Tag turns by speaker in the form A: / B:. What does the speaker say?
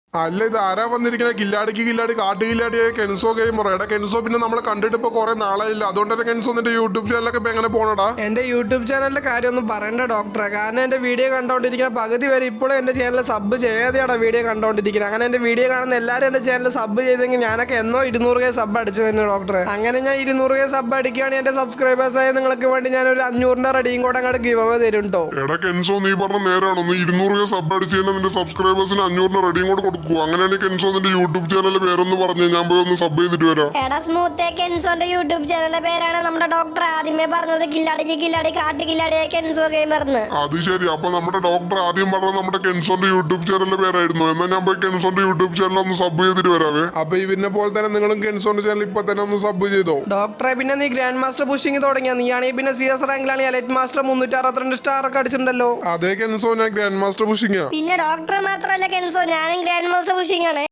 A: അല്ല ഇത് ആരാ വന്നിരിക്കണേ? കില്ലാടി കാട്ടുകില്ലാടിയായ കെൻസോ ഗെയിമർ. എടാ കെൻസോ, പിന്നെ നമ്മളെ കണ്ടിട്ട് ഇപ്പൊ കുറെ നാളായില്ല. അതുകൊണ്ട് തന്നെ കെൻസോ നിന്റെ യൂട്യൂബ് ചാനലൊക്കെ ഇപ്പൊ എങ്ങനെ പോണടാ?
B: എന്റെ യൂട്യൂബ് ചാനലിന്റെ കാര്യമൊന്നും പറയണ്ട ഡോക്ടറെ. കാരണം എന്റെ വീഡിയോ കണ്ടോണ്ടിരിക്കുന്ന പകുതി വരെ ഇപ്പോഴും എന്റെ ചാനൽ സബ് ചെയ്യാതെയാണ് വീഡിയോ കണ്ടോണ്ടിരിക്കുന്നത്. അങ്ങനെ എന്റെ വീഡിയോ കാണുന്ന എല്ലാവരും എന്റെ ചാനൽ സബ് ചെയ്തെങ്കിൽ ഞാനൊക്കെ എന്നോ 200K സബ് അടിച്ചു തന്നെ ഡോക്ടറെ. അങ്ങനെ ഞാൻ 200K സബ് അടിക്കുകയാണെങ്കിൽ എന്റെ സബ്സ്ക്രൈബേഴ്സ് ആയ നിങ്ങൾക്ക് വേണ്ടി ഞാൻ ഒരു 500ന്റെ റെഡിയും കൂടെ അങ്ങോട്ട് ഗിവ് അവേ തരും കേട്ടോ.
A: എടാ കെൻസോ, നീ പറഞ്ഞ നേരാണോ? നീ 200K സബ് അടിച്ച് തന്നെ നിന്റെ സബ്സ്ക്രൈബേഴ്സിന് 500ന്റെ റെഡിയും കൂടെ കൊടുക്കുക. അങ്ങനെയാണെങ്കിൽ കെൻസോ നിന്റെ യൂട്യൂബ് ചാനലിന്റെ പേരൊന്ന് പറഞ്ഞു ഞാൻ പോയി ഒന്ന് സബ് ചെയ്തിട്ട് വരാം.
C: എടാ സ്മൂത്തേ, കെൻസോന്റെ യൂട്യൂബ് ചാനലിന്റെ പേരാണ് നമ്മുടെ ഡോക്ടർ ആദ്യമേ പറഞ്ഞത്. കില്ലാടി കാട്ടുകില്ലാടിയായ കെൻസോ ഗെയിമർന്ന്.
A: അത് ശരി. അപ്പൊ നമ്മുടെ ഡോക്ടർ ആദ്യം പറഞ്ഞത് നമ്മുടെ കെൻസോന്റെ യൂട്യൂബ് ചാനലിന്റെ പേരായിരുന്നു. എന്നാൽ ഞാൻ പോയി കെൻസോന്റെ യൂട്യൂബ് ചാനൽ ഒന്ന് സബ് ചെയ്തിട്ട് വരാവേ. അപ്പൊ ഇവരിനെ പോലെ തന്നെ നിങ്ങളും കെൻസോന്റെ ചാനൽ ഇപ്പൊ തന്നെ ഒന്ന് സബ് ചെയ്തോ.
B: ഡോക്ടറെ, പിന്നെ നീ ഗ്രാൻഡ് മാസ്റ്റർ പുഷിങ് തുടങ്ങിയ നീയാണെങ്കിൽ പിന്നെ CS റാങ്കിലാണ് എലൈറ്റ് മാസ്റ്റർ 362 സ്റ്റാർ ഒക്കെ അടിച്ചിട്ടുണ്ടല്ലോ.
A: അതേ കെൻസോ, ഞാൻ ഗ്രാൻഡ് മാസ്റ്റർ പുഷിങ്ങാ.
C: പിന്നെ ഡോക്ടർ മാത്രമല്ല കെൻസോ, ഞാനും ഗ്രാൻഡ് മാസ്റ്റർ പുഷിംഗ് ആണ്.